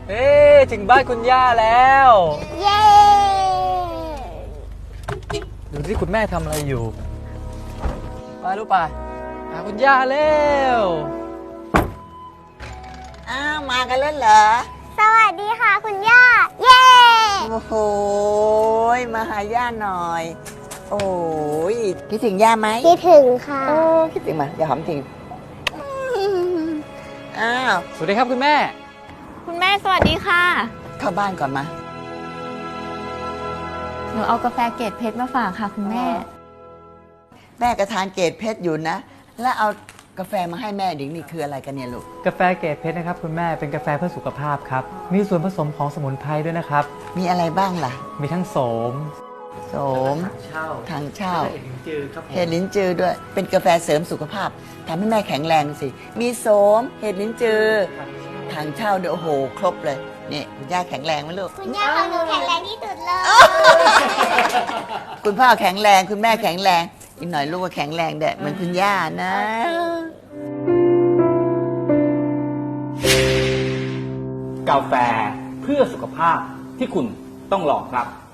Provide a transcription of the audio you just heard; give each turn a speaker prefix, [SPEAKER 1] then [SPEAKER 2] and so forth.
[SPEAKER 1] เอ๊ถึงบ้านคุณย่าแล้ว
[SPEAKER 2] เย้
[SPEAKER 1] ดูที่คุณแม่ทำอะไรอยู่ไปลูกไปหาคุณย่าเร็ว
[SPEAKER 3] อ้าวมากันแล้วเหรอ
[SPEAKER 2] สวัสดีค่ะคุณย่า เย้
[SPEAKER 3] โอ้โหมาหาย่าหน่อย โอ้ยคิดถึงย่าไหม
[SPEAKER 2] คิดถึงค่ะ
[SPEAKER 3] โอ้คิดถึงมาอย่าหอมจริงอ้าว
[SPEAKER 1] สวัสดีครับคุณแม่
[SPEAKER 4] คุณแม่สวัสดีค่ะ
[SPEAKER 3] เข้าบ้านก่อนมา
[SPEAKER 4] หนูเอากาแฟเกรดเพชรมาฝากค่ะคุณแม่
[SPEAKER 3] แม่ก็ทานเกรดเพชรอยู่นะ แล้วเอากาแฟมาให้แม่ดิงนี่คืออะไรกันเนี่ยลูก
[SPEAKER 1] กาแฟเกรดเพชรนะครับคุณแม่เป็นกาแฟเพื่อสุขภาพครับมีส่วนผสมของสมุนไพรด้วยนะครับ
[SPEAKER 3] มีอะไรบ้างล่ะ
[SPEAKER 1] มีทั้งโสม
[SPEAKER 3] โสม
[SPEAKER 1] เช่า
[SPEAKER 3] ทางเช่า
[SPEAKER 1] เห็ดลิ้นจือครับผม
[SPEAKER 3] เห็ดลิ้นจือด้วย เป็นกาแฟเสริมสุขภาพทำให้แม่แข็งแรงสิ มีโสม เห็ดลิ้นจือทางเช่าด้วยโอ้โห ครบเลย นี่คุณย่าแข็งแรงไหมลูก
[SPEAKER 2] คุณย่าของหนูแข็งแรงที่สุดเลย
[SPEAKER 3] คุณพ่อแข็งแรง คุณแม่แข็งแรง อีกหน่อยลูกก็แข็งแรงเด็เหมือนคุณย่านะ
[SPEAKER 5] กาแฟเพื่อสุขภาพที่คุณต้องลองครับ